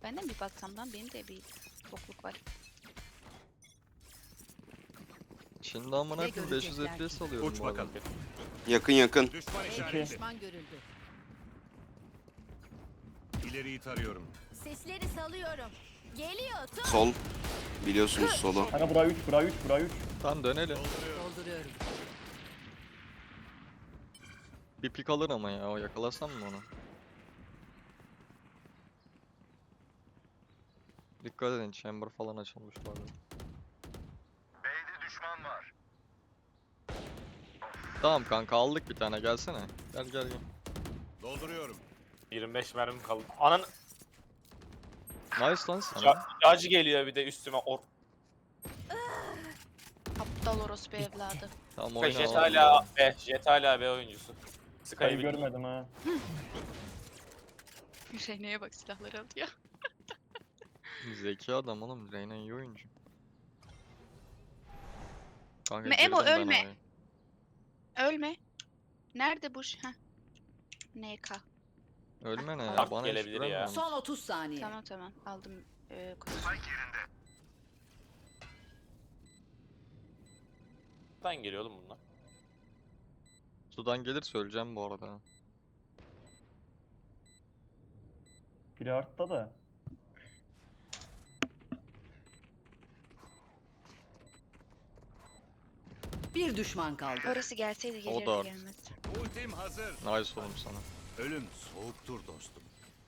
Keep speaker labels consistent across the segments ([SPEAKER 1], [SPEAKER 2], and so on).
[SPEAKER 1] Ben de mi bir baksam lan? Benim de bir bokluk var.
[SPEAKER 2] Şimdi amına
[SPEAKER 3] Ne
[SPEAKER 2] koyayım 500
[SPEAKER 3] görecekler
[SPEAKER 2] FPS
[SPEAKER 3] ki?
[SPEAKER 2] alıyorum
[SPEAKER 4] Uç
[SPEAKER 2] bu arada.
[SPEAKER 4] bakalım.
[SPEAKER 5] Yakın yakın.
[SPEAKER 4] Düşman
[SPEAKER 3] İki.
[SPEAKER 4] işareti.
[SPEAKER 3] Düşman görüldü.
[SPEAKER 4] İleriyi tarıyorum.
[SPEAKER 6] Sesleri salıyorum. Geliyor tut.
[SPEAKER 5] Sol. Biliyorsunuz solu.
[SPEAKER 7] Kanka bura 3, bura 3, bura 3.
[SPEAKER 2] Tamam dönelim.
[SPEAKER 3] Dolduruyorum.
[SPEAKER 2] Bir pik alır ama ya, o yakalasam mı onu? Dikkat edin, chamber falan açılmış bu arada.
[SPEAKER 4] B'de düşman var.
[SPEAKER 2] Tamam kanka, aldık bir tane, gelsene. Gel gel gel.
[SPEAKER 4] Dolduruyorum.
[SPEAKER 8] 25 mermim kaldı. Anan
[SPEAKER 2] Nice lan sana.
[SPEAKER 8] acı geliyor bir de üstüme.
[SPEAKER 1] Aptal orospu evladı.
[SPEAKER 2] Tamam oyna
[SPEAKER 8] Jet
[SPEAKER 2] oğlum.
[SPEAKER 8] hala B. Jet hala B oyuncusu. Sky'ı
[SPEAKER 7] Kayı
[SPEAKER 8] bilmiyorum.
[SPEAKER 7] görmedim ha.
[SPEAKER 1] Reyna'ya bak, silahları alıyor.
[SPEAKER 2] Zeki adam oğlum, Reyna iyi oyuncu. Kanka
[SPEAKER 1] Emo,
[SPEAKER 2] girdim ben
[SPEAKER 1] ölme.
[SPEAKER 2] oraya.
[SPEAKER 1] Ölme. Nerede bu? Heh. NK.
[SPEAKER 2] Ölme ne ya,
[SPEAKER 8] Dark
[SPEAKER 2] bana hiç
[SPEAKER 8] gelebilir ya.
[SPEAKER 2] güvenmiyor musun?
[SPEAKER 3] Son 30 saniye.
[SPEAKER 1] Tamam tamam, aldım. Konuş.
[SPEAKER 8] Nereden geliyor oğlum bunlar?
[SPEAKER 2] Sudan gelir söyleyeceğim bu arada.
[SPEAKER 7] Biri artta da.
[SPEAKER 3] Bir düşman kaldı.
[SPEAKER 1] Orası gelseydi
[SPEAKER 2] O
[SPEAKER 1] gelirdi,
[SPEAKER 2] da artık.
[SPEAKER 1] gelmez.
[SPEAKER 4] Ultim hazır.
[SPEAKER 2] Nice oğlum sana.
[SPEAKER 4] Ölüm soğuktur dostum.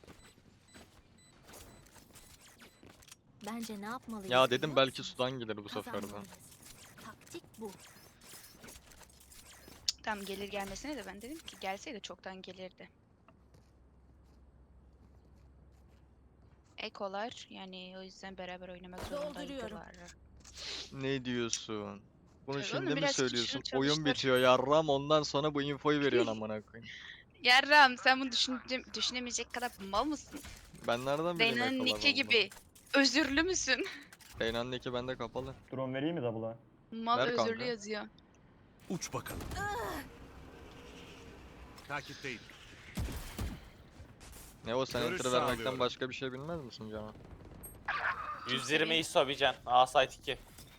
[SPEAKER 6] Bence ne yapmalıyız?
[SPEAKER 2] Ya dedim
[SPEAKER 6] biliyor
[SPEAKER 2] belki
[SPEAKER 6] musun?
[SPEAKER 2] sudan gelir bu sefer de.
[SPEAKER 6] Kazanmalıyız. Taktik bu.
[SPEAKER 1] Tamam, gelir gelmesine de ben dedim ki gelseydi çoktan gelirdi. Ekolar, yani o yüzden beraber oynamak zorundaydılar.
[SPEAKER 2] Ne diyorsun? Bunu
[SPEAKER 1] Tabii
[SPEAKER 2] şimdi
[SPEAKER 1] oğlum,
[SPEAKER 2] mi
[SPEAKER 1] biraz
[SPEAKER 2] söylüyorsun?
[SPEAKER 1] kişinin
[SPEAKER 2] Oyun
[SPEAKER 1] çalıştır.
[SPEAKER 2] bitiyor yarram, ondan sonra bu infoyu veriyorsun amına koyayım.
[SPEAKER 1] Yarram, sen bunu düşünemeyecek kadar mal mısın?
[SPEAKER 2] Ben nereden bileyim
[SPEAKER 1] Reyna'nın
[SPEAKER 2] ekolar
[SPEAKER 1] nicki
[SPEAKER 2] olduğunu?
[SPEAKER 1] gibi. Özürlü müsün?
[SPEAKER 2] Reyna'nın nicki bende kapalı.
[SPEAKER 7] Drone vereyim mi double'a?
[SPEAKER 1] Mal
[SPEAKER 2] Ver
[SPEAKER 1] özürlü
[SPEAKER 2] kanka.
[SPEAKER 1] yazıyor.
[SPEAKER 4] Uç bakalım. Takipteyim.
[SPEAKER 2] Ne o, sen
[SPEAKER 4] Görüş
[SPEAKER 2] enter vermekten
[SPEAKER 4] sağlıyorum.
[SPEAKER 2] başka bir şey bilmez misin canım?
[SPEAKER 8] 120 ISO bir can. A site 2.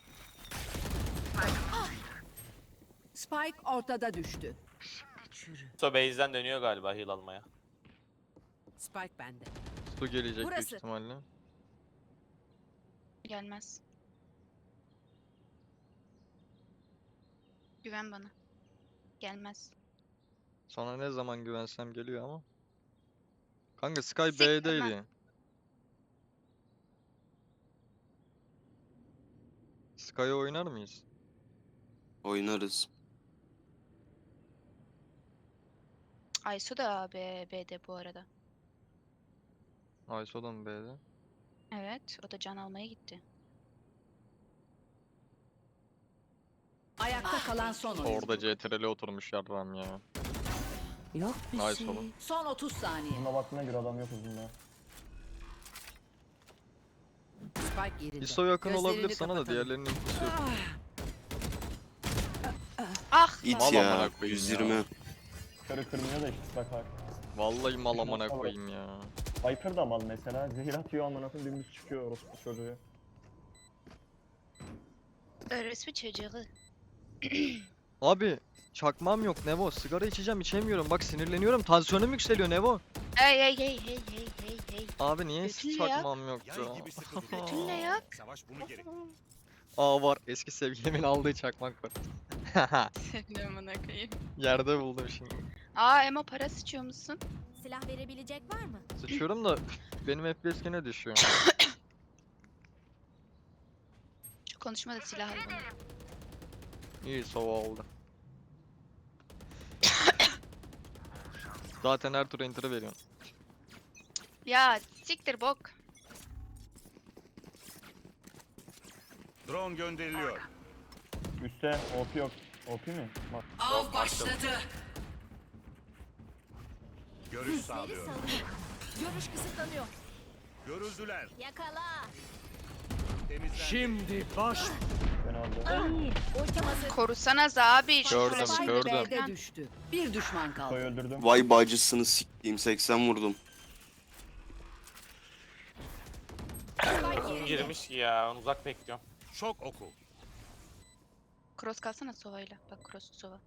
[SPEAKER 3] Spike ortada düştü.
[SPEAKER 8] ISO base'den dönüyor galiba heal almaya.
[SPEAKER 3] Spike bende.
[SPEAKER 2] Su gelecek büyük
[SPEAKER 6] Burası.
[SPEAKER 2] ihtimalle.
[SPEAKER 1] Gelmez. Güven bana. Gelmez.
[SPEAKER 2] Sana ne zaman güvensem geliyor ama. Kanka Sky
[SPEAKER 1] Siktir lan.
[SPEAKER 2] B'deydi. Sky'ı oynar mıyız?
[SPEAKER 5] Oynarız.
[SPEAKER 1] Aysu da B'de bu arada.
[SPEAKER 2] Ayso da mı B'de?
[SPEAKER 1] Evet, o da can almaya gitti.
[SPEAKER 3] Ayakta kalan son oyuncu.
[SPEAKER 2] Orada CTRL'e oturmuş yarram ya.
[SPEAKER 3] Yok bir
[SPEAKER 2] Nice
[SPEAKER 3] şey.
[SPEAKER 2] oğlum.
[SPEAKER 3] Son 30 saniye.
[SPEAKER 7] Buna baktığına göre adam yok uzunda.
[SPEAKER 3] Spike yerinde.
[SPEAKER 2] ISO yakın olabilir
[SPEAKER 3] Gözlerini
[SPEAKER 2] sana da,
[SPEAKER 3] kapatalım.
[SPEAKER 2] diğerlerinin infosu yok.
[SPEAKER 1] Ah!
[SPEAKER 5] İt
[SPEAKER 2] Mal
[SPEAKER 5] ya.
[SPEAKER 2] amına koyayım
[SPEAKER 5] 120.
[SPEAKER 7] Körü kırmıyor da işte bak bak.
[SPEAKER 2] Vallahi mal amına
[SPEAKER 7] Tamam.
[SPEAKER 2] koyayım ya.
[SPEAKER 7] Viper da mal mesela. Zehir atıyor amına koyayım dümdüz çıkıyor orospu çocuğu.
[SPEAKER 1] Orospu çocuğu.
[SPEAKER 2] Abi çakmam yok Nevo. Sigara içeceğim, içemiyorum. Bak sinirleniyorum. Tansiyonum yükseliyor Nevo.
[SPEAKER 1] Hey hey hey hey hey hey hey.
[SPEAKER 2] Abi niye
[SPEAKER 1] Götün ne ya?
[SPEAKER 2] çakmam yok
[SPEAKER 4] Yay
[SPEAKER 2] ya?
[SPEAKER 4] gibi sıkı dur.
[SPEAKER 1] Götün ne ya?
[SPEAKER 4] Savaş bunu gerek.
[SPEAKER 2] Aa var, eski sevgilimin aldığı çakmak var.
[SPEAKER 1] Sevgilim amına koyayım.
[SPEAKER 2] Yerde buldum şimdi.
[SPEAKER 1] Aa, Emo, para sıçıyor musun?
[SPEAKER 6] Silah verebilecek var mı?
[SPEAKER 2] Sıçıyorum da benim FPS gene düşüyor.
[SPEAKER 1] Şu konuşma da silah al bana.
[SPEAKER 2] İyi sova oldu. Zaten her tur enter'ı veriyorsun.
[SPEAKER 1] Ya siktir bok.
[SPEAKER 4] Drone gönderiliyor.
[SPEAKER 7] Üste OP yok. OP mi? Bak.
[SPEAKER 3] Av başladı.
[SPEAKER 4] Görüş
[SPEAKER 6] Sesleri
[SPEAKER 4] sağlıyorum.
[SPEAKER 6] salıyorum. Görüş kısıtlanıyor.
[SPEAKER 4] Görüldüler.
[SPEAKER 6] Yakala.
[SPEAKER 4] Temizlendi.
[SPEAKER 7] Ben aldım.
[SPEAKER 6] Ultim hazır.
[SPEAKER 1] Korusanız abi. şu
[SPEAKER 2] Gördüm,
[SPEAKER 1] flaşı.
[SPEAKER 2] gördüm.
[SPEAKER 3] B'de düştü. Bir düşman
[SPEAKER 7] Koyu
[SPEAKER 3] kaldı.
[SPEAKER 7] öldürdüm.
[SPEAKER 5] Vay bacısını siktiğim 80 vurdum.
[SPEAKER 6] bende.
[SPEAKER 8] girmiş ki ya. Ben uzak bekliyorum.
[SPEAKER 4] Şok oku.
[SPEAKER 1] Cross kalsana Sova'yla. Bak cross Sova.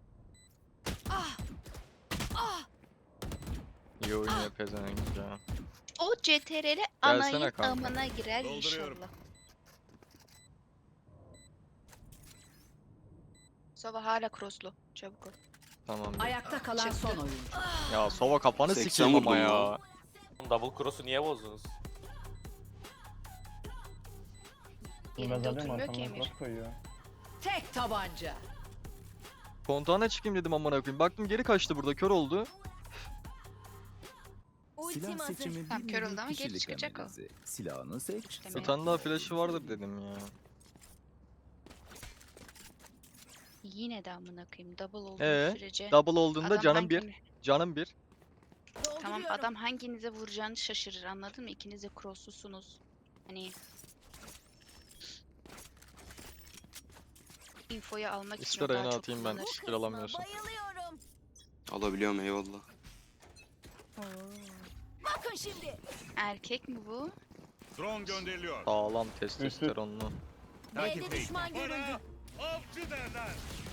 [SPEAKER 2] İyi oynuyor pezevenk ya.
[SPEAKER 1] O CTRL
[SPEAKER 2] Gelsene
[SPEAKER 1] anayın
[SPEAKER 2] kanka.
[SPEAKER 1] amına girer
[SPEAKER 4] Dolduruyorum.
[SPEAKER 1] inşallah. Sova hala crosslu. Çabuk ol.
[SPEAKER 2] Tamam.
[SPEAKER 3] Ayakta kalan
[SPEAKER 1] Çıktı.
[SPEAKER 3] son oyuncu.
[SPEAKER 2] Ya Sova kafanı
[SPEAKER 5] 80
[SPEAKER 2] sikeyim ama
[SPEAKER 5] vurdum
[SPEAKER 2] ya.
[SPEAKER 5] lan.
[SPEAKER 8] Double cross'u niye bozdunuz?
[SPEAKER 7] Bilmez
[SPEAKER 1] Yerinde
[SPEAKER 7] alayım
[SPEAKER 1] oturmuyor ki
[SPEAKER 7] arkamdan
[SPEAKER 1] Emir.
[SPEAKER 7] cross koyuyor.
[SPEAKER 3] Tek tabanca.
[SPEAKER 2] Kontağına çıkayım dedim amına koyayım. Baktım geri kaçtı burada kör oldu.
[SPEAKER 6] Ultim
[SPEAKER 9] Silah
[SPEAKER 6] hazır.
[SPEAKER 9] seçimi
[SPEAKER 1] Tamam,
[SPEAKER 9] bir
[SPEAKER 1] kör
[SPEAKER 9] nevi
[SPEAKER 1] oldu ama geri
[SPEAKER 9] kişilik
[SPEAKER 1] çıkacak o.
[SPEAKER 9] analizi. Silahını seç.
[SPEAKER 1] Demek.
[SPEAKER 2] Bir tane daha flash'ı vardır dedim ya.
[SPEAKER 1] Yine de amına koyayım. Double olduğu sürece.
[SPEAKER 2] Double olduğunda
[SPEAKER 1] adam
[SPEAKER 2] canım bir.
[SPEAKER 1] hangini-
[SPEAKER 2] Canım bir.
[SPEAKER 1] Tamam
[SPEAKER 6] Dolduruyorum.
[SPEAKER 1] adam hanginize vuracağını şaşırır anladın mı? İkiniz de crosslusunuz. Hani infoyu almak için
[SPEAKER 2] İster
[SPEAKER 1] o daha
[SPEAKER 2] ayağına
[SPEAKER 1] çok
[SPEAKER 2] atayım ben.
[SPEAKER 1] kullanır.
[SPEAKER 2] Skill alamıyorsun.
[SPEAKER 6] Bayılıyorum.
[SPEAKER 5] Alabiliyorum eyvallah.
[SPEAKER 6] Bakın şimdi.
[SPEAKER 1] Erkek mi bu?
[SPEAKER 4] Drone gönderiliyor.
[SPEAKER 2] Sağlam testosteronlu.
[SPEAKER 6] B'de düşman görüldü.
[SPEAKER 4] Bana avcı derler.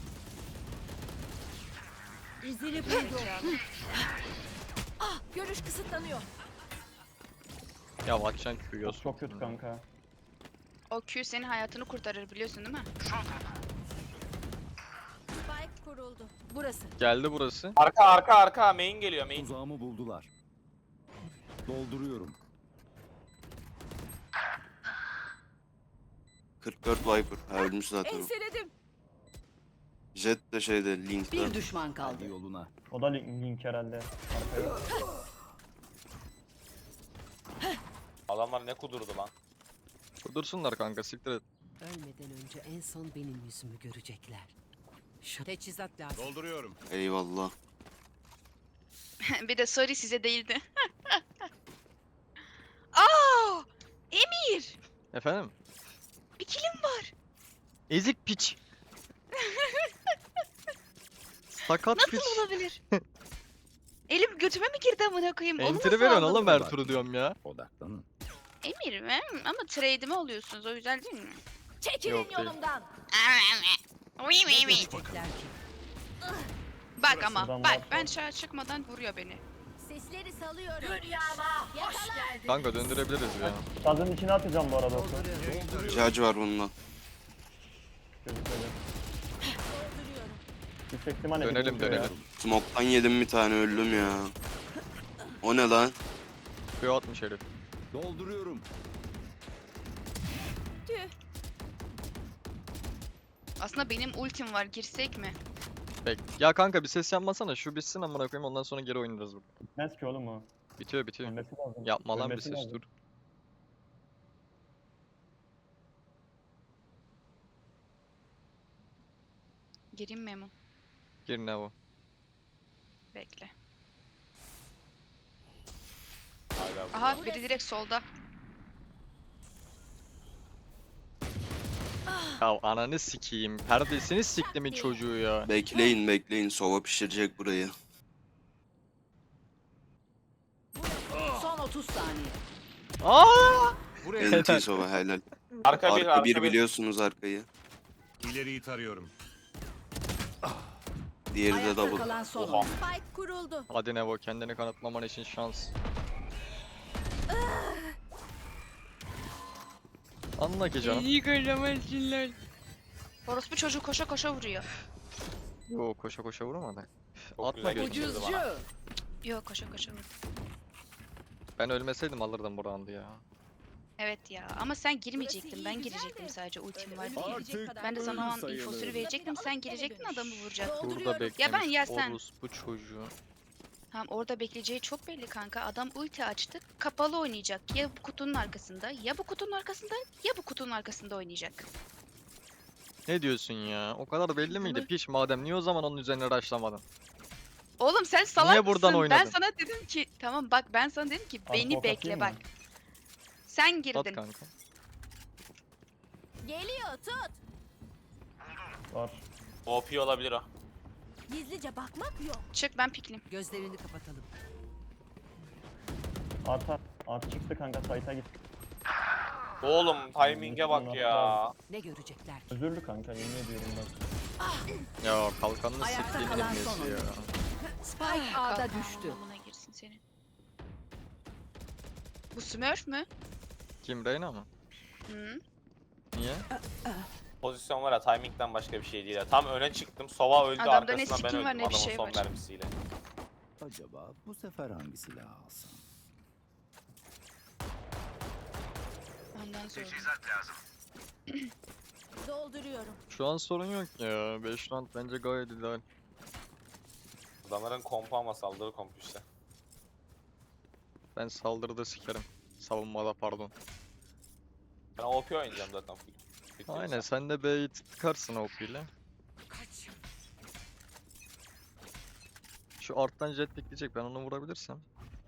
[SPEAKER 6] İzini buldu. Ah, görüş kısıtlanıyor.
[SPEAKER 2] Ya atacaksın Q'yu.
[SPEAKER 7] Çok kötü kanka.
[SPEAKER 1] O Q senin hayatını kurtarır biliyorsun değil mi?
[SPEAKER 6] Spike kuruldu.
[SPEAKER 3] Burası.
[SPEAKER 2] Geldi burası.
[SPEAKER 8] Arka main geliyor main.
[SPEAKER 9] Tuzağımı buldular. Dolduruyorum.
[SPEAKER 5] 44 Viper. Ha, ölmüş zaten o.
[SPEAKER 6] Enseledim.
[SPEAKER 5] Jet de şeyde Link'te.
[SPEAKER 3] Bir düşman
[SPEAKER 9] Hadi
[SPEAKER 3] kaldı.
[SPEAKER 9] yoluna.
[SPEAKER 7] O da link herhalde. Arkaya.
[SPEAKER 8] Adamlar ne kudurdu lan.
[SPEAKER 2] Dursunlar kanka siktir et.
[SPEAKER 3] Ölmeden önce en son benim yüzümü görecekler. Teçhizat lazım.
[SPEAKER 4] Dolduruyorum.
[SPEAKER 5] Eyvallah.
[SPEAKER 1] Bir de sorry size değildi. Aa! Emir!
[SPEAKER 2] Efendim?
[SPEAKER 1] Bir kilim var.
[SPEAKER 2] Ezik piç. Sakat piç.
[SPEAKER 1] Nasıl olabilir? Elim götüme mi girdi amına koyayım? Onu
[SPEAKER 2] Entry
[SPEAKER 1] nasıl
[SPEAKER 2] veriyorsun
[SPEAKER 1] aldın?
[SPEAKER 2] oğlum her turu diyorum ya.
[SPEAKER 9] Odaklanın.
[SPEAKER 1] Emir mi? Ama trade'imi alıyorsunuz o güzel değil mi?
[SPEAKER 6] Çekilin
[SPEAKER 2] Yok değil.
[SPEAKER 6] yolumdan.
[SPEAKER 3] Görecekler ki.
[SPEAKER 1] Bak ama
[SPEAKER 7] Şuradan
[SPEAKER 1] bak
[SPEAKER 7] var.
[SPEAKER 1] ben dışarı çıkmadan vuruyor beni.
[SPEAKER 6] Sesleri salıyorum.
[SPEAKER 2] Kanka döndürebiliriz ya.
[SPEAKER 7] Sazın içine atacağım bu arada oku.
[SPEAKER 3] Dolduruyorum.
[SPEAKER 5] Judge var bununla.
[SPEAKER 7] Gözükmedi.
[SPEAKER 6] Dolduruyorum.
[SPEAKER 7] Yüksek ihtimalle bir
[SPEAKER 2] Dönelim
[SPEAKER 7] vuruyor ya.
[SPEAKER 2] dönelim.
[SPEAKER 5] Smoke'tan yedim bir tane öldüm ya. O ne lan?
[SPEAKER 2] Q atmış herif.
[SPEAKER 9] Dolduruyorum.
[SPEAKER 6] Tüh.
[SPEAKER 1] Aslında benim ultim var girsek mi?
[SPEAKER 2] Bek. Ya kanka bir ses yapmasana şu bitsin amına koyayım ondan sonra geri oynarız burada.
[SPEAKER 7] Bitmez ki oğlum o.
[SPEAKER 2] Bitiyor bitiyor.
[SPEAKER 7] Ölmesi lazım.
[SPEAKER 2] Yapma lan bir
[SPEAKER 7] Ölmesi
[SPEAKER 2] ses
[SPEAKER 7] lazım.
[SPEAKER 2] dur.
[SPEAKER 1] Gireyim mi Emo?
[SPEAKER 2] Gir ne o?
[SPEAKER 1] Bekle.
[SPEAKER 8] Hala bu.
[SPEAKER 1] Aha biri direkt solda.
[SPEAKER 2] Ya ananı sikeyim. Perdesini siktimin çocuğu ya.
[SPEAKER 5] Bekleyin bekleyin. Sova pişirecek burayı.
[SPEAKER 3] Son 30 saniye.
[SPEAKER 2] Aa!
[SPEAKER 4] Buraya
[SPEAKER 5] NT Sova helal.
[SPEAKER 8] Arka bir
[SPEAKER 5] Arka bir
[SPEAKER 8] arka bir.
[SPEAKER 5] biliyorsunuz arkayı.
[SPEAKER 4] ileriyi tarıyorum.
[SPEAKER 5] Diğeri de
[SPEAKER 3] Ayakta
[SPEAKER 5] double.
[SPEAKER 3] kalan son
[SPEAKER 8] Oha.
[SPEAKER 3] oyuncu.
[SPEAKER 6] Spike kuruldu.
[SPEAKER 2] Hadi Nevo kendini kanıtlaman için şans. Anla ki canım.
[SPEAKER 1] İyi göremezsinler. Orospu çocuğu koşa koşa vuruyor.
[SPEAKER 2] Yo koşa koşa vurmadı.
[SPEAKER 8] Çok
[SPEAKER 2] Atma
[SPEAKER 8] güzel
[SPEAKER 2] gözünü.
[SPEAKER 8] geçti. bana.
[SPEAKER 3] Ucuzcu.
[SPEAKER 1] Yok koşa koşa vuruyor.
[SPEAKER 2] Ben ölmeseydim alırdım bu roundu ya.
[SPEAKER 1] Evet ya ama sen girmeyecektin.
[SPEAKER 6] Burası
[SPEAKER 1] Ben
[SPEAKER 6] iyi, güzel
[SPEAKER 1] girecektim
[SPEAKER 6] de
[SPEAKER 1] sadece ultim
[SPEAKER 6] öyle
[SPEAKER 1] var
[SPEAKER 6] ölüm
[SPEAKER 1] diye.
[SPEAKER 6] gelecek kadar
[SPEAKER 1] Ben de sana o an
[SPEAKER 9] sayılır.
[SPEAKER 1] infosunu verecektim. Sen girecektin adamı vuracaktın.
[SPEAKER 2] Burada
[SPEAKER 6] Dolduruyorum.
[SPEAKER 2] beklemiş.
[SPEAKER 1] Ya ben yersen.
[SPEAKER 2] Orospu çocuğu.
[SPEAKER 1] Tamam orada bekleyeceği çok belli kanka. Adam ulti açtı. Kapalı oynayacak. Ya bu kutunun arkasında, ya bu kutunun arkasında, ya bu kutunun arkasında oynayacak.
[SPEAKER 2] Ne diyorsun ya? O kadar belli miydi
[SPEAKER 1] Bunu-
[SPEAKER 2] piş madem niye o zaman onun üzerine rushlamadın?
[SPEAKER 1] Oğlum sen salak
[SPEAKER 2] Niye buradan
[SPEAKER 1] mısın? Ben
[SPEAKER 2] oynadın?
[SPEAKER 1] sana dedim ki tamam bak ben sana dedim ki
[SPEAKER 7] Abi,
[SPEAKER 1] beni
[SPEAKER 7] ok
[SPEAKER 1] bekle
[SPEAKER 7] atayım
[SPEAKER 1] bak.
[SPEAKER 7] mı?
[SPEAKER 1] Sen
[SPEAKER 2] At
[SPEAKER 1] girdin.
[SPEAKER 2] kanka.
[SPEAKER 6] Geliyor tut.
[SPEAKER 7] Var.
[SPEAKER 8] OP olabilir o.
[SPEAKER 6] Gizlice bakmak yok.
[SPEAKER 1] Çık ben piklim.
[SPEAKER 3] Gözlerini kapatalım.
[SPEAKER 7] Arta. Art çıktı kanka. Sayta git.
[SPEAKER 8] Oğlum timing'e bak ya.
[SPEAKER 3] Ne görecekler ki?
[SPEAKER 7] Özürlü kanka yemin ediyorum bak.
[SPEAKER 2] Ya kalkanını
[SPEAKER 3] Ayakta
[SPEAKER 2] siktiğim
[SPEAKER 3] kalan
[SPEAKER 2] ilmesi
[SPEAKER 3] son
[SPEAKER 2] ya.
[SPEAKER 3] oyuncu. Spike A'da
[SPEAKER 1] Kalkan
[SPEAKER 3] düştü.
[SPEAKER 1] amına girsin senin. Bu Smurf mü?
[SPEAKER 2] Kim, Reyna mı?
[SPEAKER 1] Hı.
[SPEAKER 2] Niye?
[SPEAKER 8] Pozisyon var ya timing'den başka bir şey değil ya. Tam öne çıktım. Sova öldü
[SPEAKER 1] Adamda ne
[SPEAKER 8] arkasından ben
[SPEAKER 1] skin var,
[SPEAKER 8] öldüm
[SPEAKER 1] ne bir
[SPEAKER 8] adamın
[SPEAKER 1] şey
[SPEAKER 8] son
[SPEAKER 1] var.
[SPEAKER 8] mermisiyle.
[SPEAKER 9] Acaba bu sefer hangi silahı alsam?
[SPEAKER 1] Ondan sonra.
[SPEAKER 6] Dolduruyorum.
[SPEAKER 2] Şu an sorun yok ya. 5 round bence gayet ideal.
[SPEAKER 8] Adamların kompu ama saldırı kompu işte.
[SPEAKER 2] Ben saldırıda sikerim. Savunmada pardon.
[SPEAKER 8] Ben OP oynayacağım zaten full. Bitti mi
[SPEAKER 2] Aynen
[SPEAKER 8] sen?
[SPEAKER 2] sen de B'yi tıkarsın OP ile.
[SPEAKER 3] Kaç.
[SPEAKER 2] Şu arttan jet pikleyecek, ben onu vurabilirsem.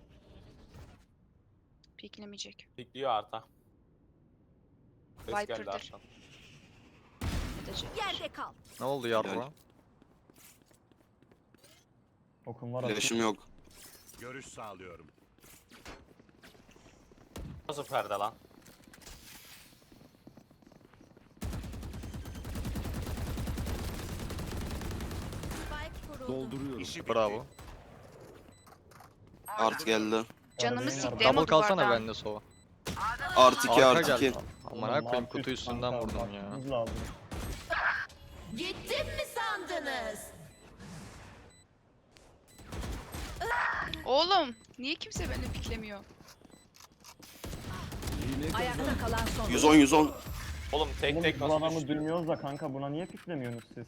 [SPEAKER 1] Piklemeyecek.
[SPEAKER 8] Pikliyor arta. Ses geldi
[SPEAKER 1] Viper'dır.
[SPEAKER 8] artadan.
[SPEAKER 1] Edecek.
[SPEAKER 6] Yerde kal.
[SPEAKER 2] Ne oldu yarra?
[SPEAKER 7] Okum var.
[SPEAKER 5] Flash'ım yok.
[SPEAKER 4] Görüş sağlıyorum.
[SPEAKER 8] Nasıl perde lan?
[SPEAKER 6] Spike kuruldu.
[SPEAKER 9] Dolduruyorum.
[SPEAKER 4] İşi bitti.
[SPEAKER 2] Bravo.
[SPEAKER 5] Art geldi.
[SPEAKER 1] Canımı
[SPEAKER 7] Arada
[SPEAKER 1] sikti
[SPEAKER 7] yine
[SPEAKER 2] Double
[SPEAKER 1] ama
[SPEAKER 2] kalsana
[SPEAKER 1] duvardan.
[SPEAKER 2] bende sova.
[SPEAKER 5] Art 2
[SPEAKER 2] Arka
[SPEAKER 5] art 2.
[SPEAKER 2] geldi. Aman koyayım kutu üstünden vurdum ya.
[SPEAKER 7] Lazım.
[SPEAKER 6] Gittim mi sandınız?
[SPEAKER 1] Oğlum niye kimse beni piklemiyor?
[SPEAKER 3] Ayakta kalan son
[SPEAKER 5] 110 110.
[SPEAKER 8] Oğlum tek
[SPEAKER 7] Oğlum
[SPEAKER 8] tek
[SPEAKER 7] bu
[SPEAKER 8] nasıl
[SPEAKER 7] adamı
[SPEAKER 8] düştü?
[SPEAKER 7] duymuyoruz da kanka buna niye piklemiyorsunuz siz?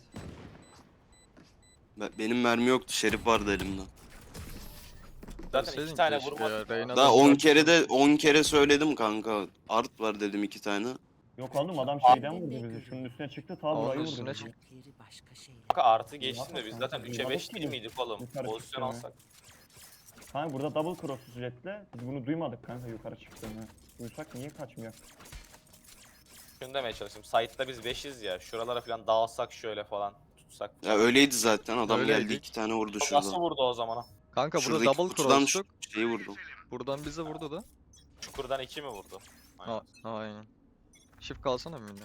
[SPEAKER 5] Benim mermi yoktu. Şerif vardı elimde.
[SPEAKER 8] Zaten
[SPEAKER 2] Senin
[SPEAKER 8] iki tane
[SPEAKER 2] keşke
[SPEAKER 8] vurmadım.
[SPEAKER 2] ya, Reyna
[SPEAKER 5] Daha
[SPEAKER 2] da
[SPEAKER 5] 10
[SPEAKER 2] zaten-
[SPEAKER 5] kere de 10 kere söyledim kanka. Art var dedim 2 tane.
[SPEAKER 7] Yok oğlum adam şeyden vurdu bizi. Şunun üstüne çıktı ta
[SPEAKER 2] Onun
[SPEAKER 7] burayı vurdu.
[SPEAKER 2] üstüne
[SPEAKER 7] bizi.
[SPEAKER 2] çıktı.
[SPEAKER 3] Yeri başka şeyler.
[SPEAKER 8] Kanka artı geçtin de biz
[SPEAKER 7] Kanka,
[SPEAKER 8] zaten 3'e
[SPEAKER 7] duymadık
[SPEAKER 8] 5
[SPEAKER 7] ki
[SPEAKER 8] değil
[SPEAKER 7] biz.
[SPEAKER 8] miydik oğlum?
[SPEAKER 7] Yukarı
[SPEAKER 8] Pozisyon
[SPEAKER 7] çıktığını.
[SPEAKER 8] alsak.
[SPEAKER 7] Kanka burada double cross jetle biz bunu duymadık kanka yukarı çıktığını. Duysak niye kaçmıyor?
[SPEAKER 8] Şunu demeye çalıştım. Site'da biz 5'iz ya. Şuralara falan dağılsak şöyle falan tutsak.
[SPEAKER 5] Ya öyleydi zaten. Adam geldi
[SPEAKER 2] Öyleydik.
[SPEAKER 5] 2 tane vurdu
[SPEAKER 8] Nasıl
[SPEAKER 5] şurada.
[SPEAKER 8] vurdu o zaman?
[SPEAKER 2] Kanka burada
[SPEAKER 5] Şuradaki
[SPEAKER 2] double
[SPEAKER 5] kutudan
[SPEAKER 2] cross'tuk.
[SPEAKER 5] şeyi vurdu.
[SPEAKER 2] Buradan bize vurdu da.
[SPEAKER 8] Çukurdan 2 mi vurdu? Aynen.
[SPEAKER 2] Aynen. Shift kalsana mıydı?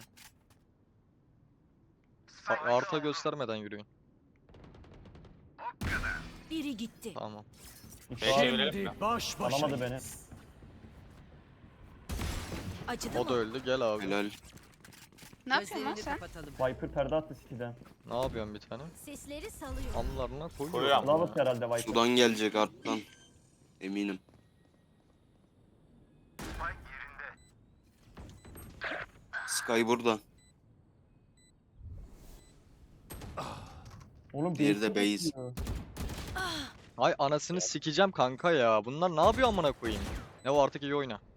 [SPEAKER 2] Arta göstermeden yürüyün.
[SPEAKER 6] Biri gitti.
[SPEAKER 2] Tamam.
[SPEAKER 7] İki
[SPEAKER 8] Beşe
[SPEAKER 7] var,
[SPEAKER 8] verelim mi?
[SPEAKER 7] alamadı beni.
[SPEAKER 6] Acıdı
[SPEAKER 2] O
[SPEAKER 6] mı?
[SPEAKER 2] da öldü. Gel abi.
[SPEAKER 5] Helal.
[SPEAKER 1] Ne yapıyorsun lan
[SPEAKER 3] Gözlerini
[SPEAKER 1] sen?
[SPEAKER 3] kapatalım.
[SPEAKER 7] Viper perde attı City'den.
[SPEAKER 2] Ne yapıyorsun bir tane?
[SPEAKER 6] Sesleri salıyor.
[SPEAKER 2] Anlarına koyuyor.
[SPEAKER 8] Koyuyorum.
[SPEAKER 7] Lavas herhalde Viper.
[SPEAKER 5] Sudan gelecek arttan. Eminim. Sky burada.
[SPEAKER 7] Oğlum
[SPEAKER 5] Diğeri de
[SPEAKER 7] base'e
[SPEAKER 5] base.
[SPEAKER 7] bakıyor.
[SPEAKER 2] Ay anasını sikeceğim kanka ya. Bunlar ne yapıyor amına koyayım? Ne var artık iyi oyna.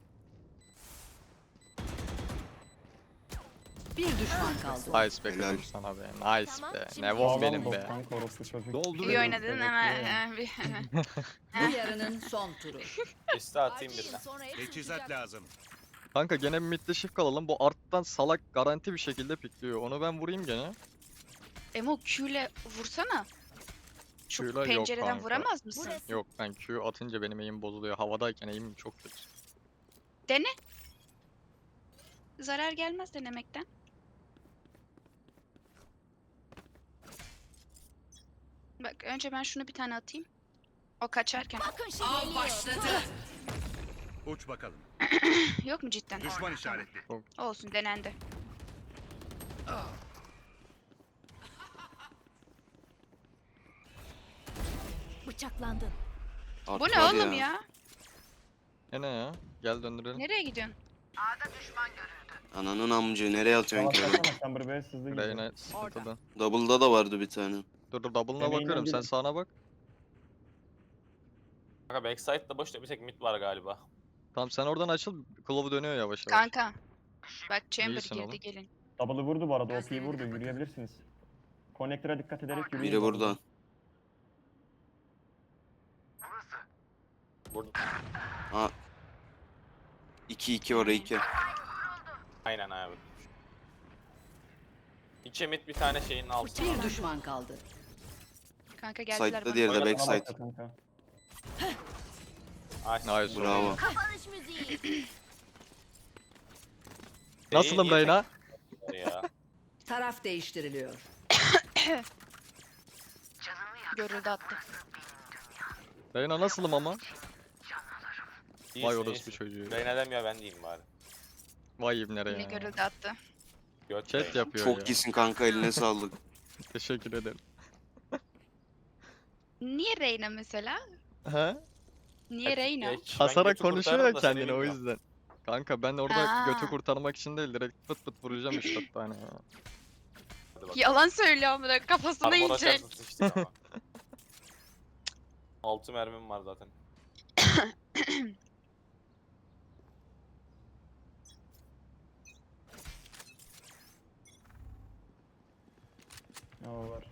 [SPEAKER 3] Bir düşman kaldı.
[SPEAKER 2] Nice be
[SPEAKER 5] Helal.
[SPEAKER 2] kızım sana be. Nice
[SPEAKER 6] Tamam,
[SPEAKER 2] be.
[SPEAKER 6] şimdi
[SPEAKER 2] Nevon
[SPEAKER 7] Sağlam
[SPEAKER 2] benim
[SPEAKER 7] bot
[SPEAKER 2] be.
[SPEAKER 7] kanka orospu çocuk.
[SPEAKER 9] Dolduruyorum.
[SPEAKER 1] İyi oynadın
[SPEAKER 7] Evet,
[SPEAKER 1] hemen.
[SPEAKER 7] iyi.
[SPEAKER 3] Bu yarının son turu.
[SPEAKER 8] Liste atayım birine.
[SPEAKER 6] Sonra hepsi
[SPEAKER 4] Teçhizat
[SPEAKER 6] uçacak.
[SPEAKER 4] lazım.
[SPEAKER 2] Kanka gene bir midde shift kalalım. Bu arttan salak garanti bir şekilde pikliyor. Onu ben vurayım gene.
[SPEAKER 1] Emo Q ile vursana. Şu
[SPEAKER 2] Q'yla yok
[SPEAKER 1] pencereden
[SPEAKER 2] kanka.
[SPEAKER 1] vuramaz mısın?
[SPEAKER 6] Burası.
[SPEAKER 2] Yok ben Q atınca benim aim bozuluyor. Havadayken aim çok kötü.
[SPEAKER 1] Dene. Zarar gelmez denemekten. Bak önce ben şunu bir tane atayım. O kaçarken.
[SPEAKER 6] Bakın şimdi geliyor.
[SPEAKER 4] Uç bakalım.
[SPEAKER 1] Yok mu cidden?
[SPEAKER 4] Düşman işaretli.
[SPEAKER 1] Olsun denendi.
[SPEAKER 6] Bıçaklandın.
[SPEAKER 5] Art
[SPEAKER 1] Bu ne
[SPEAKER 5] var
[SPEAKER 1] oğlum ya?
[SPEAKER 2] Ne ya? Gel döndürelim.
[SPEAKER 1] Nereye gidiyorsun?
[SPEAKER 5] Ananın amcı nereye atıyorsun
[SPEAKER 7] Savaş
[SPEAKER 5] ki?
[SPEAKER 7] yapsana Chamber Base hızlı gidiyor.
[SPEAKER 2] Reyna sıkıntıda.
[SPEAKER 5] Double'da da vardı bir tane.
[SPEAKER 2] Dur double'ına
[SPEAKER 7] Yemeğinden
[SPEAKER 2] bakıyorum. Sen
[SPEAKER 7] biri.
[SPEAKER 2] sağına bak.
[SPEAKER 8] Kanka backside'da boşta bir tek mid var galiba.
[SPEAKER 2] Tamam sen oradan açıl. Klovu dönüyor yavaş yavaş.
[SPEAKER 1] Kanka. Bak Chamber
[SPEAKER 2] İyisin
[SPEAKER 1] girdi
[SPEAKER 2] oğlum.
[SPEAKER 1] gelin.
[SPEAKER 7] Double'ı vurdu bu arada. OP'yi vurdu. Yürüyebilirsiniz. Connector'a dikkat ederek yürüyün.
[SPEAKER 5] Biri burada.
[SPEAKER 8] Vurdu.
[SPEAKER 5] Ha. 2-2 oraya 2.
[SPEAKER 8] Aynen abi. 2 mid bir tane şeyin altı.
[SPEAKER 3] Bir düşman kaldı.
[SPEAKER 1] Kanka geldiler
[SPEAKER 5] Side'da
[SPEAKER 1] bana.
[SPEAKER 5] diğeri de
[SPEAKER 8] Oynatma
[SPEAKER 5] backside.
[SPEAKER 7] Bak kanka.
[SPEAKER 8] Nice.
[SPEAKER 2] Nice.
[SPEAKER 5] Bravo.
[SPEAKER 6] Kapanış müziği.
[SPEAKER 2] Nasılım
[SPEAKER 8] niye
[SPEAKER 2] Reyna?
[SPEAKER 8] Ya.
[SPEAKER 3] Taraf değiştiriliyor.
[SPEAKER 1] Görüldü attı.
[SPEAKER 2] Reyna nasılım ama?
[SPEAKER 8] İyisin,
[SPEAKER 2] Vay orospu
[SPEAKER 8] iyisin.
[SPEAKER 2] çocuğu.
[SPEAKER 8] Reyna demiyor ben diyeyim bari.
[SPEAKER 2] Vay ibnere
[SPEAKER 1] Yine
[SPEAKER 2] ya.
[SPEAKER 1] görüldü attı.
[SPEAKER 8] Göt
[SPEAKER 2] Chat
[SPEAKER 8] Reyna.
[SPEAKER 2] yapıyor
[SPEAKER 5] Çok
[SPEAKER 2] ya.
[SPEAKER 5] iyisin kanka, eline sağlık.
[SPEAKER 2] Teşekkür ederim.
[SPEAKER 1] Niye Reyna mesela?
[SPEAKER 2] He?
[SPEAKER 1] Niye Reyna?
[SPEAKER 8] Geç, ben
[SPEAKER 2] Kasarak
[SPEAKER 8] götü
[SPEAKER 2] konuşuyor
[SPEAKER 8] kurtarırım
[SPEAKER 2] ya
[SPEAKER 8] da seni
[SPEAKER 2] kendini o
[SPEAKER 8] bilmiyorum.
[SPEAKER 2] yüzden. Kanka ben orada
[SPEAKER 1] Aa.
[SPEAKER 2] götü kurtarmak için değil direkt pıt pıt vuracağım 3-4 tane ya.
[SPEAKER 8] Hadi bakalım.
[SPEAKER 1] Yalan söylüyor amına kafasına
[SPEAKER 8] Armor
[SPEAKER 1] inecek.
[SPEAKER 8] açarsın sıçtık ama. 6 mermim var zaten.
[SPEAKER 7] Ne o var?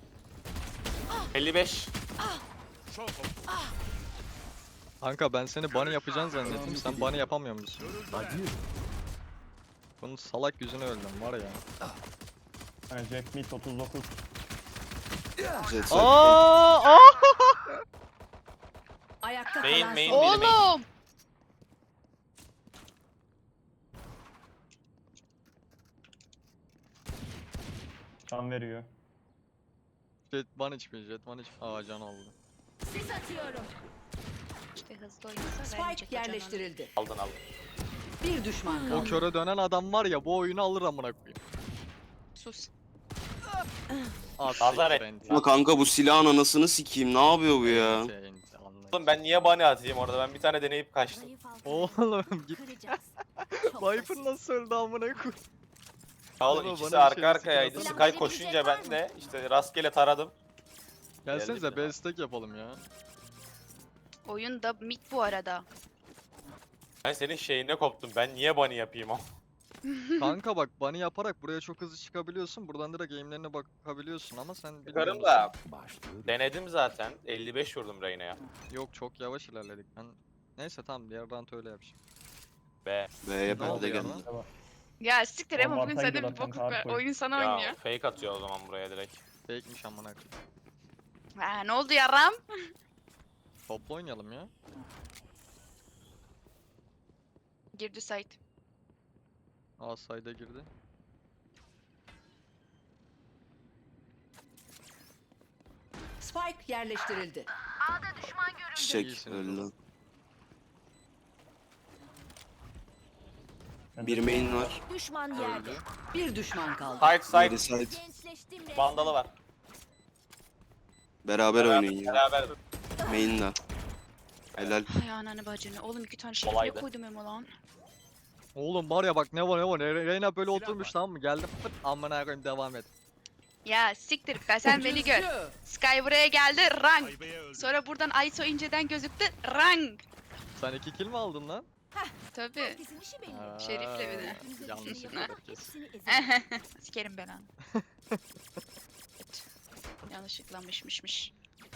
[SPEAKER 8] 55.
[SPEAKER 4] Çok oku.
[SPEAKER 2] Kanka ben seni bunny yapacağını zannettim sen bunny yapamıyor musun?
[SPEAKER 9] Acı.
[SPEAKER 2] Bunun salak yüzünü öldüm var ya.
[SPEAKER 7] Yani Jack Meat 39.
[SPEAKER 5] Jet side.
[SPEAKER 2] Aa!
[SPEAKER 3] Ayakta
[SPEAKER 8] Main,
[SPEAKER 3] kalan
[SPEAKER 8] main.
[SPEAKER 3] son.
[SPEAKER 1] Oğlum!
[SPEAKER 7] Can veriyor.
[SPEAKER 2] Jet bunny çıkıyor jet bunny çıkıyor. Aa can oldu.
[SPEAKER 6] Sis atıyorum.
[SPEAKER 1] İşte hızlı oynasa
[SPEAKER 3] Spike
[SPEAKER 1] vermeyecek hocam onu.
[SPEAKER 3] yerleştirildi.
[SPEAKER 8] Aldın aldın.
[SPEAKER 3] Bir düşman
[SPEAKER 2] O
[SPEAKER 3] kaldı.
[SPEAKER 2] köre dönen adam var ya bu oyunu alır amına koyayım.
[SPEAKER 1] Sus.
[SPEAKER 2] Az
[SPEAKER 8] Nazar
[SPEAKER 2] siktir
[SPEAKER 8] et.
[SPEAKER 2] enti.
[SPEAKER 5] Ama kanka bu silahın anasını sikeyim, ne yapıyor bu ya?
[SPEAKER 2] Enti, enti, anlayın.
[SPEAKER 8] Oğlum ben niye bunny atayım orada? Ben bir tane deneyip kaçtım.
[SPEAKER 6] Zayıf halkayı
[SPEAKER 2] Oğlum git.
[SPEAKER 6] kıracağız. Çok
[SPEAKER 2] Viper
[SPEAKER 6] basit.
[SPEAKER 2] nasıl öldü amına koyayım?
[SPEAKER 8] Ya oğlum
[SPEAKER 2] Bana
[SPEAKER 8] ikisi
[SPEAKER 2] bir şey
[SPEAKER 8] arka arkayaydı.
[SPEAKER 2] sıkıntı
[SPEAKER 6] yok.
[SPEAKER 8] Sky koşunca ben de işte rastgele taradım.
[SPEAKER 2] Gelsenize
[SPEAKER 8] Geldim ya.
[SPEAKER 2] B stack yapalım ya.
[SPEAKER 1] Oyun da mid bu arada.
[SPEAKER 8] Ben senin şeyine koptum. Ben niye bunny yapayım o?
[SPEAKER 2] Kanka bak bunny yaparak buraya çok hızlı çıkabiliyorsun. Buradan direkt game'lerine bakabiliyorsun ama sen bilmiyor
[SPEAKER 8] Çıkarım
[SPEAKER 2] musun?
[SPEAKER 8] da
[SPEAKER 9] Başlıyor.
[SPEAKER 8] denedim zaten. 55 vurdum Reyna'ya.
[SPEAKER 2] Yok çok yavaş ilerledik. Ben neyse tamam diğer round öyle yapacağım.
[SPEAKER 8] Be.
[SPEAKER 5] B'ye
[SPEAKER 2] Ne
[SPEAKER 5] perde
[SPEAKER 2] oluyor
[SPEAKER 5] geldi.
[SPEAKER 2] lan?
[SPEAKER 7] Devam.
[SPEAKER 1] Ya siktir ama
[SPEAKER 7] Bomba
[SPEAKER 1] bugün
[SPEAKER 7] ataydı
[SPEAKER 1] sende bir
[SPEAKER 7] zaten,
[SPEAKER 1] bokluk var.
[SPEAKER 7] Tarkoy.
[SPEAKER 1] Oyun sana
[SPEAKER 8] Ya
[SPEAKER 1] oynuyor.
[SPEAKER 8] fake atıyor o zaman buraya direkt.
[SPEAKER 2] Fake'miş amına koyayım.
[SPEAKER 1] Ha, ne oldu yaram?
[SPEAKER 2] Topla oynayalım ya.
[SPEAKER 1] Girdi site.
[SPEAKER 2] A side'a girdi.
[SPEAKER 3] Spike yerleştirildi.
[SPEAKER 5] Çiçek
[SPEAKER 2] İyisiniz
[SPEAKER 5] öldü.
[SPEAKER 2] oğlum.
[SPEAKER 7] Ben
[SPEAKER 5] Bir
[SPEAKER 7] de-
[SPEAKER 5] main var.
[SPEAKER 6] Düşman yerde.
[SPEAKER 2] Öldü.
[SPEAKER 3] Bir düşman kaldı.
[SPEAKER 8] Side
[SPEAKER 5] Biri
[SPEAKER 8] side.
[SPEAKER 5] side.
[SPEAKER 6] Gençleştim resmen.
[SPEAKER 8] Vandalı var.
[SPEAKER 5] Beraber oynayın ya.
[SPEAKER 8] Beraber.
[SPEAKER 5] Main'le. Helal.
[SPEAKER 1] Ay ananı bacını. Oğlum 2 tane şey
[SPEAKER 8] Kolaydı.
[SPEAKER 1] koydum Emo lan.
[SPEAKER 2] Oğlum var ya bak ne var ne var. Reyna böyle oturmuş tamam mı? Geldim pıt amına koyayım devam et.
[SPEAKER 1] Ya siktir be sen beni gör. Sky buraya geldi rank.
[SPEAKER 4] Aybeye öldü.
[SPEAKER 1] Sonra buradan Aiso inceden gözüktü rank.
[SPEAKER 2] Sen 2 kill mi aldın lan?
[SPEAKER 1] Tabii.
[SPEAKER 6] Herkesin işi belli.
[SPEAKER 2] Aa,
[SPEAKER 1] Şerif'le bir de.
[SPEAKER 2] Yanlış
[SPEAKER 6] Hepsini
[SPEAKER 2] yapıyor herkes.
[SPEAKER 6] Hepsini ezelim.
[SPEAKER 1] Sikerim ben onu. Evet. Yanlışlıkla mışmışmış.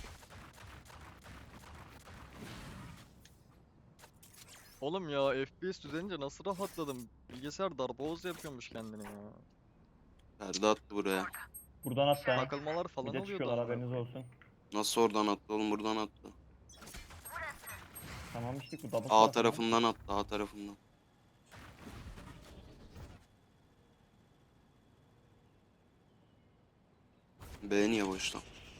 [SPEAKER 2] Oğlum ya FPS düzenince nasıl rahatladım. Bilgisayar darboğaz yapıyormuş kendini ya.
[SPEAKER 5] Perde attı buraya.
[SPEAKER 7] Buradan at yani.
[SPEAKER 2] Takılmalar
[SPEAKER 7] Bir
[SPEAKER 2] falan
[SPEAKER 7] de
[SPEAKER 2] oluyordu.
[SPEAKER 7] çıkıyorlar,
[SPEAKER 2] amına
[SPEAKER 7] haberiniz
[SPEAKER 2] koyayım.
[SPEAKER 7] olsun.
[SPEAKER 5] Nasıl oradan attı oğlum, buradan attı.
[SPEAKER 7] Tamam işte bu double
[SPEAKER 5] A
[SPEAKER 7] tarafı.
[SPEAKER 5] tarafından attı, A tarafından. B niye boşta?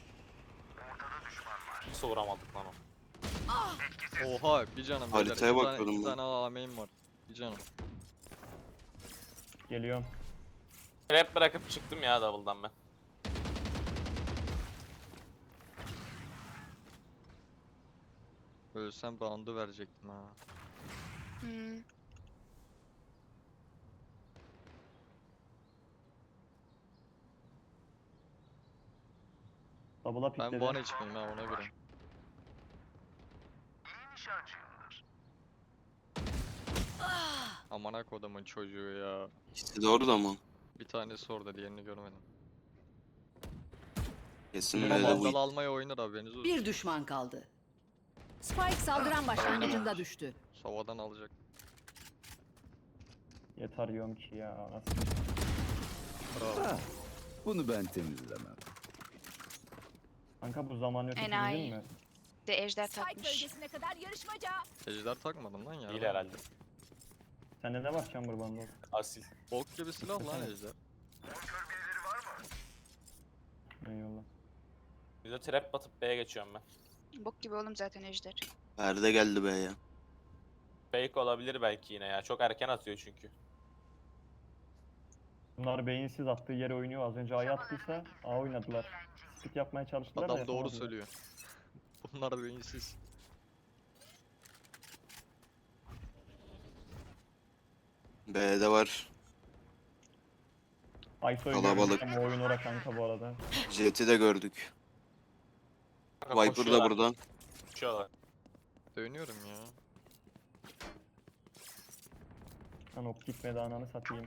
[SPEAKER 8] Nasıl vuramadık lan o?
[SPEAKER 2] Oha bir canım.
[SPEAKER 5] Haritaya
[SPEAKER 2] beyler.
[SPEAKER 5] bakıyordum
[SPEAKER 2] İki
[SPEAKER 5] ben.
[SPEAKER 2] tane A main var. Bir canım.
[SPEAKER 7] Geliyorum.
[SPEAKER 8] Trap bırakıp çıktım ya double'dan ben.
[SPEAKER 2] Ölsem round'u verecektim ha.
[SPEAKER 1] Hmm.
[SPEAKER 7] Double'a
[SPEAKER 2] Ben
[SPEAKER 7] pikledi.
[SPEAKER 2] bu an içmeyeyim ha ona göre. Amına kodumun çocuğu ya.
[SPEAKER 5] İkisi de orada mı?
[SPEAKER 2] Bir tanesi orada diğerini görmedim.
[SPEAKER 5] Kesin
[SPEAKER 7] Tamam,
[SPEAKER 5] B'de
[SPEAKER 2] Vandal
[SPEAKER 5] bu.
[SPEAKER 2] almaya oynar haberiniz olsun.
[SPEAKER 3] Bir düşman kaldı. Spike saldıran başlangıcında düştü.
[SPEAKER 2] Savadan alacak.
[SPEAKER 7] Yeter yiyorum ki ya. Nasıl?
[SPEAKER 2] Bravo.
[SPEAKER 9] Ah, bunu ben temizlemem.
[SPEAKER 7] Kanka bu zaman ötesi
[SPEAKER 1] Enayi.
[SPEAKER 7] değil mi?
[SPEAKER 1] De ejder
[SPEAKER 6] Spike
[SPEAKER 1] takmış.
[SPEAKER 6] bölgesine kadar yarışmaca.
[SPEAKER 2] Ejder takmadın lan ya.
[SPEAKER 8] İyi herhalde.
[SPEAKER 7] Sende ne var Chamber Bundle?
[SPEAKER 8] Asil.
[SPEAKER 2] Bok gibi silah lan
[SPEAKER 7] Desene.
[SPEAKER 2] ejder.
[SPEAKER 7] Eyvallah.
[SPEAKER 8] Bir de trap batıp B'ye geçiyorum ben.
[SPEAKER 1] Bok gibi oğlum zaten Ejder.
[SPEAKER 5] Perde geldi be ya.
[SPEAKER 8] Fake olabilir belki yine ya. Çok erken atıyor çünkü.
[SPEAKER 7] Bunlar beyinsiz attığı yere oynuyor. Az önce A'ya attıysa A oynadılar. Split yapmaya çalıştılar da
[SPEAKER 2] Adam doğru
[SPEAKER 7] yapamadılar.
[SPEAKER 2] söylüyor. Bunlar beyinsiz.
[SPEAKER 5] B'de var.
[SPEAKER 7] Ayso'yu
[SPEAKER 5] Kalabalık.
[SPEAKER 7] görmüş ama oyun ora kanka bu arada.
[SPEAKER 5] Jet'i de gördük.
[SPEAKER 8] Kanka
[SPEAKER 5] Viper da
[SPEAKER 8] koşuyorlar,
[SPEAKER 5] burada.
[SPEAKER 8] koşuyorlar.
[SPEAKER 2] Dönüyorum ya.
[SPEAKER 7] Lan ok gitmedi ananı satayım.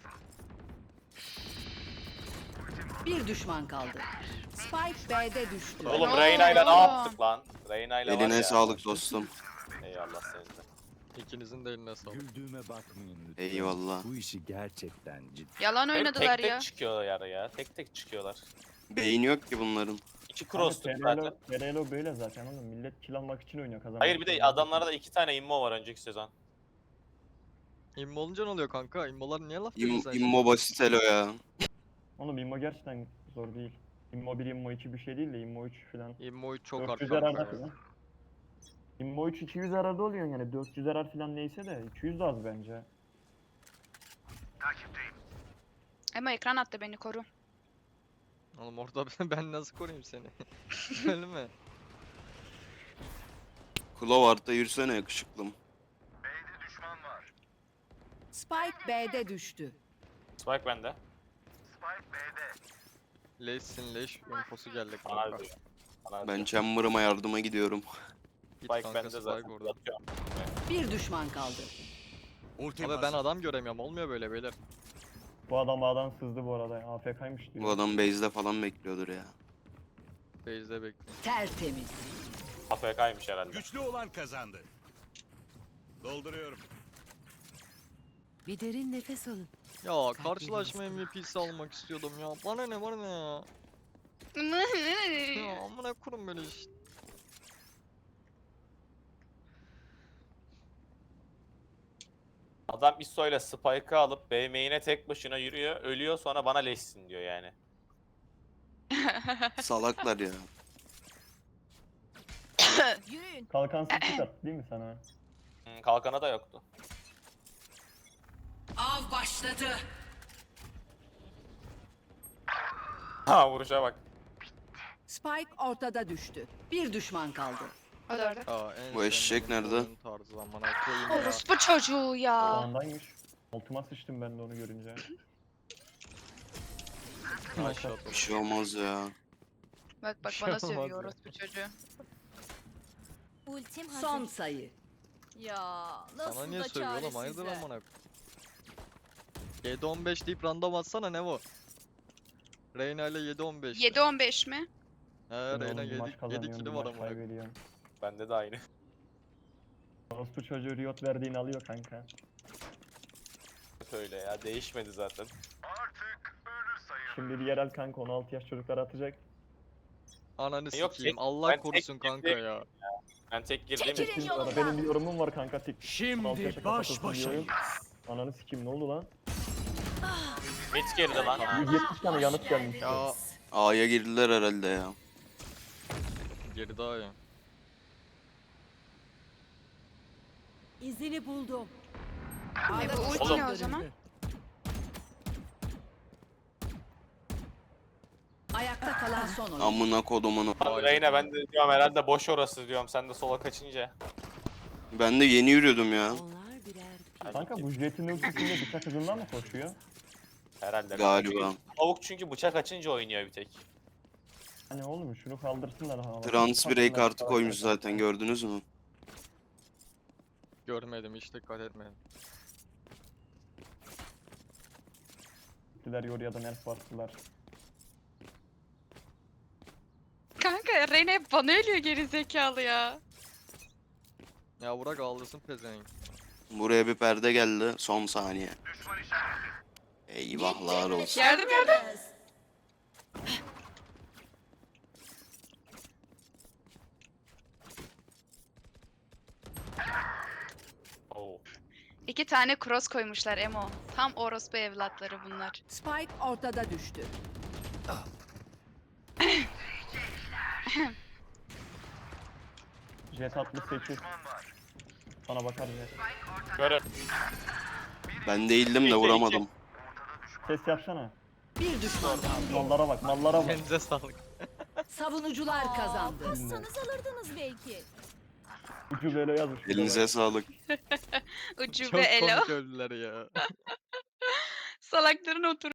[SPEAKER 3] Bir düşman kaldı. Spike B'de düştü.
[SPEAKER 8] Oğlum
[SPEAKER 1] Ne
[SPEAKER 8] Reyna ile ne
[SPEAKER 1] oldu?
[SPEAKER 8] yaptık lan? Reyna ile var
[SPEAKER 5] Eline
[SPEAKER 8] ya.
[SPEAKER 5] sağlık dostum.
[SPEAKER 8] Eyvallah senin de.
[SPEAKER 2] İkinizin de eline sağlık.
[SPEAKER 9] Güldüğüme bakmayın lütfen.
[SPEAKER 5] Eyvallah.
[SPEAKER 9] Bu işi gerçekten ciddi.
[SPEAKER 1] Yalan
[SPEAKER 8] Hep
[SPEAKER 1] oynadılar
[SPEAKER 8] tek
[SPEAKER 1] ya.
[SPEAKER 8] tek çıkıyorlar ya. Tek tek çıkıyorlar.
[SPEAKER 5] Beyin yok ki bunların.
[SPEAKER 8] İki cross'tuk zaten.
[SPEAKER 7] Ferelo böyle zaten oğlum. Millet kill almak için oynuyor kazanmak
[SPEAKER 8] Hayır bir de
[SPEAKER 7] için.
[SPEAKER 8] adamlarda da 2 tane immo var önceki sezon.
[SPEAKER 2] İmmo olunca ne oluyor kanka? İmmolar niye laf diyorsun sen?
[SPEAKER 5] İmmo basit elo ya.
[SPEAKER 7] Oğlum immo gerçekten zor değil. Immo 1, immo 2 bir şey değil de immo 3 falan.
[SPEAKER 2] İmmo 3 çok
[SPEAKER 7] 400
[SPEAKER 2] arka.
[SPEAKER 7] arada falan. Immo 3 200 arada oluyor yani 400 arar falan neyse de 200 de az bence.
[SPEAKER 1] Ama ekran attı, beni koru.
[SPEAKER 2] Oğlum orada ben nasıl koruyayım seni? Ölme.
[SPEAKER 5] Clover'da yürüsene yakışıklım.
[SPEAKER 3] Spike B'de düştü.
[SPEAKER 8] Spike bende.
[SPEAKER 2] Leşsin leş infosu geldi
[SPEAKER 8] Bana
[SPEAKER 2] kanka.
[SPEAKER 8] diyor. Bana
[SPEAKER 5] Ben
[SPEAKER 8] diyor.
[SPEAKER 5] Chamber'ıma yardıma gidiyorum.
[SPEAKER 2] Git
[SPEAKER 8] Spike
[SPEAKER 2] kanka
[SPEAKER 8] bende
[SPEAKER 2] Spike
[SPEAKER 8] zaten.
[SPEAKER 2] orada.
[SPEAKER 8] Yatıyorum.
[SPEAKER 3] Bir düşman kaldı.
[SPEAKER 4] Ultim
[SPEAKER 2] Abi ben adam göremiyorum. Olmuyor böyle beyler.
[SPEAKER 7] Bu adam A'dan sızdı bu arada. AFK'ymış diyor.
[SPEAKER 5] Bu adam base'de falan bekliyordur ya.
[SPEAKER 2] Base'de bekliyorum.
[SPEAKER 3] Tertemiz.
[SPEAKER 8] AFK'ymış herhalde.
[SPEAKER 4] Güçlü olan kazandı. Dolduruyorum.
[SPEAKER 3] Bir derin nefes alın.
[SPEAKER 2] Ya karşılaşma MVP'si almak istiyordum ya. Bana ne ya. Ya amına kurum böyle işte.
[SPEAKER 8] Adam ISO ile Spike'ı alıp B main'e tek başına yürüyor, ölüyor sonra bana leşsin diyor yani.
[SPEAKER 5] Salaklar ya.
[SPEAKER 6] Yürüyün.
[SPEAKER 7] Kalkan split attı değil mi sana?
[SPEAKER 8] Kalkana da yoktu.
[SPEAKER 3] Av başladı.
[SPEAKER 8] Ha vuruşa bak.
[SPEAKER 3] Spike ortada düştü. Bir düşman kaldı.
[SPEAKER 1] O da orada.
[SPEAKER 2] Aa, en
[SPEAKER 5] Bu eşek
[SPEAKER 2] sevmediğim
[SPEAKER 5] nerede?
[SPEAKER 2] oyun tarzı amına koyayım ya.
[SPEAKER 1] Orospu çocuğu ya.
[SPEAKER 7] Sağındaymış. Altıma sıçtım ben de onu görünce.
[SPEAKER 2] Aşağı
[SPEAKER 5] Bir şey olmaz ya.
[SPEAKER 1] Bak bak
[SPEAKER 2] Şey
[SPEAKER 1] bana
[SPEAKER 2] olmaz
[SPEAKER 1] sövüyor
[SPEAKER 2] ya.
[SPEAKER 1] orospu çocuğu.
[SPEAKER 6] Ultim hazır.
[SPEAKER 3] Son sayı.
[SPEAKER 6] Ya nasıl
[SPEAKER 2] Sana niye
[SPEAKER 6] da
[SPEAKER 2] söylüyor oğlum? Hayırdır
[SPEAKER 6] çaresizler.
[SPEAKER 2] amına koyayım. 7-15 deyip random atsana ne bu? Reyna ile 7-15.
[SPEAKER 1] 7-15 mi?
[SPEAKER 2] He
[SPEAKER 7] Ben
[SPEAKER 2] Reyna
[SPEAKER 7] oğlum, bir maç
[SPEAKER 2] 7
[SPEAKER 7] kazanıyorum,
[SPEAKER 2] kili
[SPEAKER 7] bir
[SPEAKER 2] var
[SPEAKER 7] maç
[SPEAKER 2] amına koyayım.
[SPEAKER 7] kaybediyorum.
[SPEAKER 8] Bende de aynı.
[SPEAKER 7] Orospu çocuğu Riot verdiğini alıyor kanka.
[SPEAKER 8] Öyle ya değişmedi zaten.
[SPEAKER 7] Şimdi bir yerel kanka 16 yaş çocuklar atacak.
[SPEAKER 2] Ananı
[SPEAKER 8] Yok,
[SPEAKER 2] sikeyim.
[SPEAKER 8] tek-
[SPEAKER 2] Allah
[SPEAKER 8] ben tek
[SPEAKER 2] korusun kanka
[SPEAKER 8] girdim.
[SPEAKER 2] ya.
[SPEAKER 8] Ben tek girdiğim
[SPEAKER 6] Çekilin
[SPEAKER 8] için.
[SPEAKER 7] Şimdi
[SPEAKER 6] yolumdan.
[SPEAKER 7] benim bir yorumum var kanka. 16 yaşa
[SPEAKER 9] Şimdi
[SPEAKER 7] kapatılsın
[SPEAKER 9] baş
[SPEAKER 7] diyorum.
[SPEAKER 9] başayız.
[SPEAKER 7] Ananı sikeyim ne oldu lan?
[SPEAKER 8] Mid girdi lan.
[SPEAKER 7] 170 tane yanıt gelmiş.
[SPEAKER 2] Ya
[SPEAKER 5] A'ya girdiler herhalde ya.
[SPEAKER 2] geri daha ya.
[SPEAKER 3] İzini buldum.
[SPEAKER 1] Bu ulti
[SPEAKER 8] Oğlum.
[SPEAKER 1] ne o zaman?
[SPEAKER 3] Ayakta kalan son oyun.
[SPEAKER 5] Amına kodumun.
[SPEAKER 8] Abi Reyna ben de diyorum herhalde boş orası diyorum sen de sola kaçınca.
[SPEAKER 5] Ben de yeni yürüyordum ya.
[SPEAKER 3] Onlar birer pil.
[SPEAKER 7] Kanka bu jetin ultisinde bıçak hızından mı koşuyor?
[SPEAKER 8] Herhalde.
[SPEAKER 5] Galiba.
[SPEAKER 8] Tavuk çünkü bıçak açınca oynuyor bir tek.
[SPEAKER 7] Hani oğlum şunu kaldırsınlar havalara.
[SPEAKER 5] Trans break
[SPEAKER 7] Kalksınlar,
[SPEAKER 5] artı koymuş zaten gördünüz mü?
[SPEAKER 2] Görmedim hiç dikkat etmedim.
[SPEAKER 7] Gittiler yoruya da nerf bastılar.
[SPEAKER 1] Kanka Reyna hep bana ölüyor geri zekalı ya.
[SPEAKER 2] Ya bırak ağlasın pezevenk.
[SPEAKER 5] Buraya bir perde geldi. Son saniye. Eyvahlar olsun.
[SPEAKER 1] Yardım yardım.
[SPEAKER 8] Oo.
[SPEAKER 1] 2 tane cross koymuşlar Emo. Tam orospu evlatları bunlar.
[SPEAKER 3] Spike ortada düştü.
[SPEAKER 7] Jet 68. Sana bakar Jet.
[SPEAKER 8] Görün.
[SPEAKER 5] Ben değildim de vuramadım.
[SPEAKER 7] Ses yapsana.
[SPEAKER 3] Bir düşman kaldı.
[SPEAKER 7] Mallara bak, mallara bak.
[SPEAKER 2] Kendinize sağlık.
[SPEAKER 3] Savunucular kazandı.
[SPEAKER 6] Kassanız alırdınız belki.
[SPEAKER 7] Ucu böyle yazmış.
[SPEAKER 5] Elinize sağlık.
[SPEAKER 1] Ucube
[SPEAKER 2] Çok
[SPEAKER 1] elo.
[SPEAKER 2] komik öldüler ya.
[SPEAKER 1] Salakların otur.